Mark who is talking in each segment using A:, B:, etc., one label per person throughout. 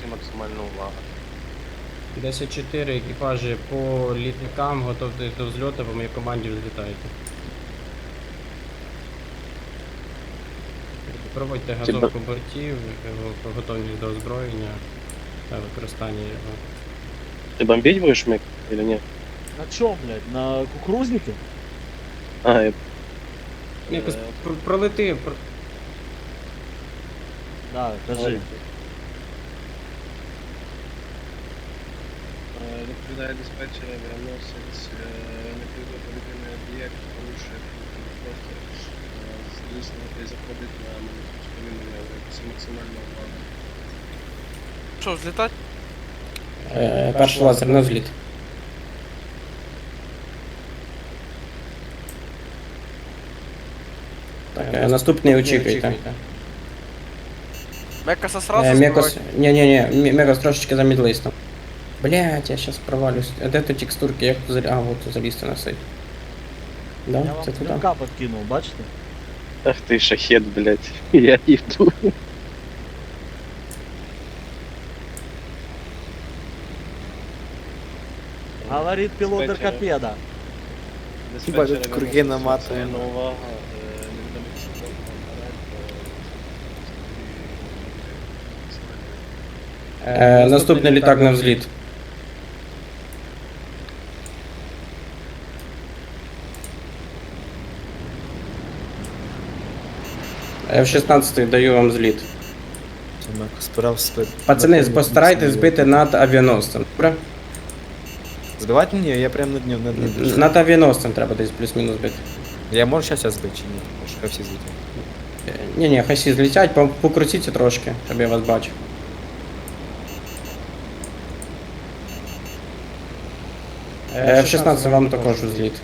A: всім максимальна увага.
B: 10-4 екіпажі по літакам, готовтесь до взльоту, по моїй команді взлітаєте. Проводьте газовку бортів, готовність до озброєння та використання його.
A: Ти бомбить будеш, Мик, или ні?
C: На чём, блядь? На кукурузнике?
A: А, я...
B: Якось пролети.
C: Да, кажи.
A: Відповідає диспетчер, авіаносець, непридатний повітряний об'єкт, порушує просто здійснювати і заходить на повітряний об'єкт. Це максимальна увага.
D: Що, взлітати?
B: Перший лазер на взліт. Так, наступний очікуйте.
D: Мекаса сразу
B: Мекос,
D: збивати?
B: не, Мекос трошечки замедлись там. Блять, я сейчас провалюсь. А де тут текстурки, як тут а, вот залізти на сайт. Да,
C: Я
B: це
C: вам
B: туди.
C: стрілка подкинув, бачите?
A: Ах ти шахет, блядь. Я йду.
C: Говорит пилот
A: Диспетчер.
C: Аркапеда.
A: Диспетчер,
E: круги наматує.
A: максимальна увага. Невідомий пішохід наперед.
B: Наступний літак на взліт. F-16 даю вам зліт.
E: Спирав спит.
B: Пацани, постарайтесь збити над авіаносцем. Добре?
E: Збивати мені? Я прям над ним, над ним держу.
B: Над авіаносцем треба десь плюс-мінус бити.
E: Я можу щас збити чи ні? Може, хай всі злетять.
B: Ні, хай всі злітять, покрутіться трошки, щоб я вас бачив. F-16 вам також у зліт.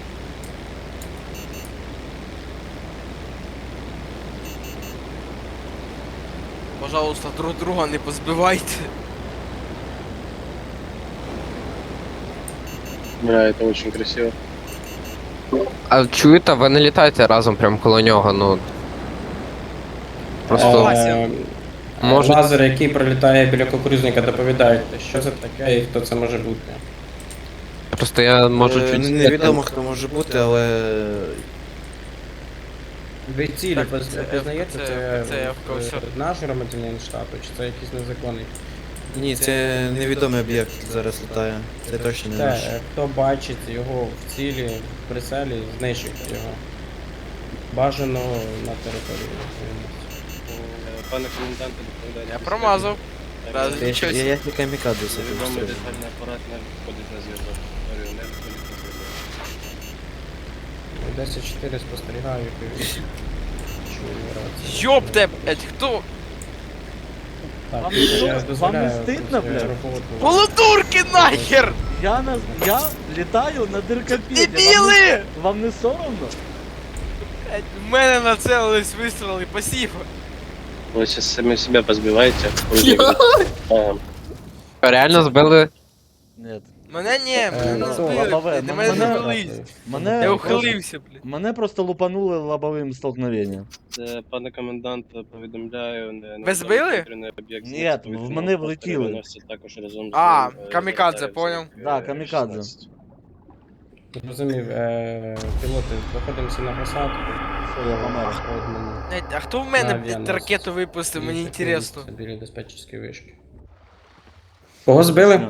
D: Пожалуйста, друг друга не позбивайте.
A: Бля, это очень красиво.
F: А чуєте, ви не літаєте разом прямо коло нього, ну. Просто може.
B: Лазер, який пролітає біля кукурузника, доповідаєте, що це таке і хто це може бути.
F: Просто я можу чуть.
E: Невідомо хто може бути, але...
B: Ви цілі
D: Так,
B: познаєте,
D: це я в курсі.
B: наш громадянин штату, чи це якийсь незаконний?
E: Ні, це невідомий об'єкт зараз літає. Це точно не
B: Це,
E: наш.
B: хто бачить його в цілі, в прицелі, знищуйте його. Бажано на території.
A: Пане коменданте, доповідає.
D: Я промазав. Да,
E: Я
D: нічого.
E: я не камікадзе собі
A: Відомий
E: пострілю.
A: детальний апарат не входить на зв'язок. Говорю, не входить на зв'язок.
B: 10-4 спостерігаю, як чую рацію.
D: Ёпте, блять, хто?
B: Так,
C: Вам
B: я
C: не
B: дозволяю
C: стидно,
B: свою
C: блядь?
B: роботу.
D: Полудурки нахер!
C: Я літаю на Диркапеді.
D: Дебіли!
C: Вам не соромно?
D: Блять, в мене нацелились вистріли, спасибо.
A: Вы сейчас сами себя позбиваете. А,
F: Реально збили.
C: Нет.
D: Мене ні, мене не
B: ну,
D: збили,
C: лобове,
D: блядь, на мене
C: мене-
D: не велись.
C: Мене
D: Я
C: просто-
D: ухилився, блядь.
C: Мене просто лупанули лобовим столкновенням.
A: Пане комендант, повідомляю,
D: Ви збили?
C: Ні, в мене влетіли.
A: Також разом з
D: А,
A: ним,
D: камікадзе,
A: літає
D: поняв.
A: в
C: Да, камікадзе.
A: F-16.
B: Зрозумів, пілоти, знаходимося на посадку.
C: Все, я помер.
B: Одному.
D: Блять, а хто в мене,
B: На
D: блядь,
B: авіаносець.
D: ракету випустив, мені інтересно.
B: Біля диспетчерської вишки. Кого збили?